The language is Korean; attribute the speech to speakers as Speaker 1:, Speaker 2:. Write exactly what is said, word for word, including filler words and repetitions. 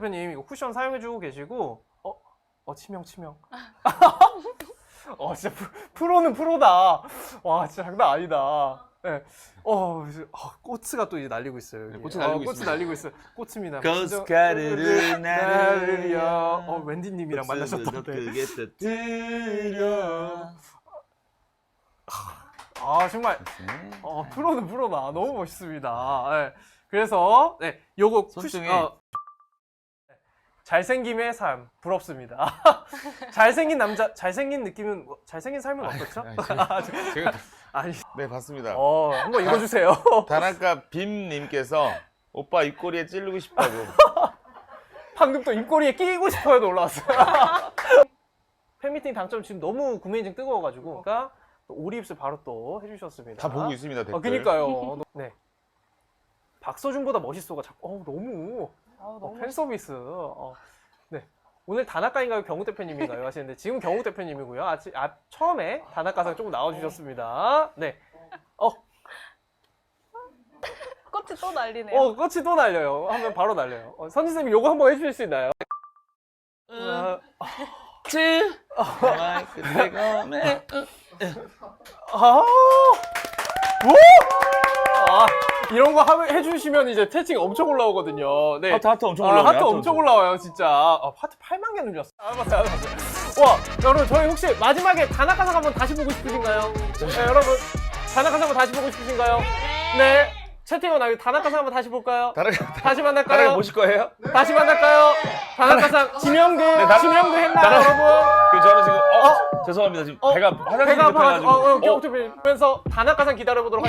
Speaker 1: 대표님 이거 쿠션 사용해주고 계시고 어? 어 치명 치명 어 진짜 프, 프로는 프로다. 와 진짜 장난 아니다. 네. 어, 이제, 어 꼬츠가 또 이제 날리고 있어요. 여기.
Speaker 2: 네, 꽃이 날리고
Speaker 1: 어, 꽃이
Speaker 2: 있습니다.
Speaker 1: 날리고 있어요. 꽃입니다.
Speaker 2: 고스카르르 나르려.
Speaker 1: 어 웬디님이랑 만나셨던데.
Speaker 2: 그게 뜨려.
Speaker 1: 아 정말 어, 프로는 프로다. 너무 멋있습니다. 네. 그래서 네 요거
Speaker 2: 손등에
Speaker 1: 쿠션, 어, 잘생김의 삶 부럽습니다. 잘생긴 남자, 잘생긴 느낌은 뭐, 잘생긴 삶은 어떻죠?
Speaker 2: 아니, 제가, 제가
Speaker 1: 아니,
Speaker 2: 네 봤습니다.
Speaker 1: 어 한번 읽어주세요.
Speaker 2: 다나카 빔님께서 오빠 입꼬리에 찌르고 싶다고.
Speaker 1: 방금 또 입꼬리에 끼고 싶어요도 올라왔어요. 팬미팅 당첨 지금 너무 구매 인증 뜨거워가지고 그러니까 또 오리 입술 바로 또 해주셨습니다.
Speaker 2: 다 보고 있습니다 댓글.
Speaker 1: 어, 그니까요. 네. 박서준보다 멋있어가 자꾸 어, 너무
Speaker 3: 아우,
Speaker 1: 어,
Speaker 3: 너무
Speaker 1: 팬 서비스. 어. 네. 오늘 다나카인가요? 경욱 대표님인가요? 하시는데 지금 경욱 대표님이고요. 아, 아 처음에 다나카상 조금 나와주셨습니다. 네. 어,
Speaker 3: 꽃이 또 날리네요.
Speaker 1: 어, 꽃이 또 날려요. 하면 바로 날려요. 어, 선지쌤이 요거 한번 해주실 수 있나요? 어,
Speaker 2: 쯔. 그때가 매.
Speaker 1: 아, 뭐? 아, 이런 거 하, 해주시면 이제 채팅 엄청 올라오거든요. 네.
Speaker 2: 하트 하트 엄청
Speaker 1: 아,
Speaker 2: 올라오네.
Speaker 1: 하트 엄청 올라와요, 진짜. 아, 하트 팔만 개 눌렸어. 아, 맞아요, 맞아요. 와, 여러분, 저희 혹시 마지막에 다나카상 한번 다시 보고 싶으신가요? 네, 여러분, 다나카상 한번 다시 보고 싶으신가요? 네. 채팅은 나요. 다나카상 한번 다시 볼까요?
Speaker 2: 다나카
Speaker 1: 다시 만날까요?
Speaker 2: 다나카 보실 거예요?
Speaker 1: 다시 만날까요? 다나카상 지명도,
Speaker 2: 다-
Speaker 1: 지명도 했나요,
Speaker 2: 다나-
Speaker 1: 여러분?
Speaker 2: 그 저는 지금 어, 죄송합니다 지금
Speaker 1: 어,
Speaker 2: 배가 화장실
Speaker 1: 배가 아파가지고,
Speaker 2: 급해가지고
Speaker 1: 어, 어,
Speaker 2: 어,
Speaker 1: 경호팀면서 다나카상 기다려보도록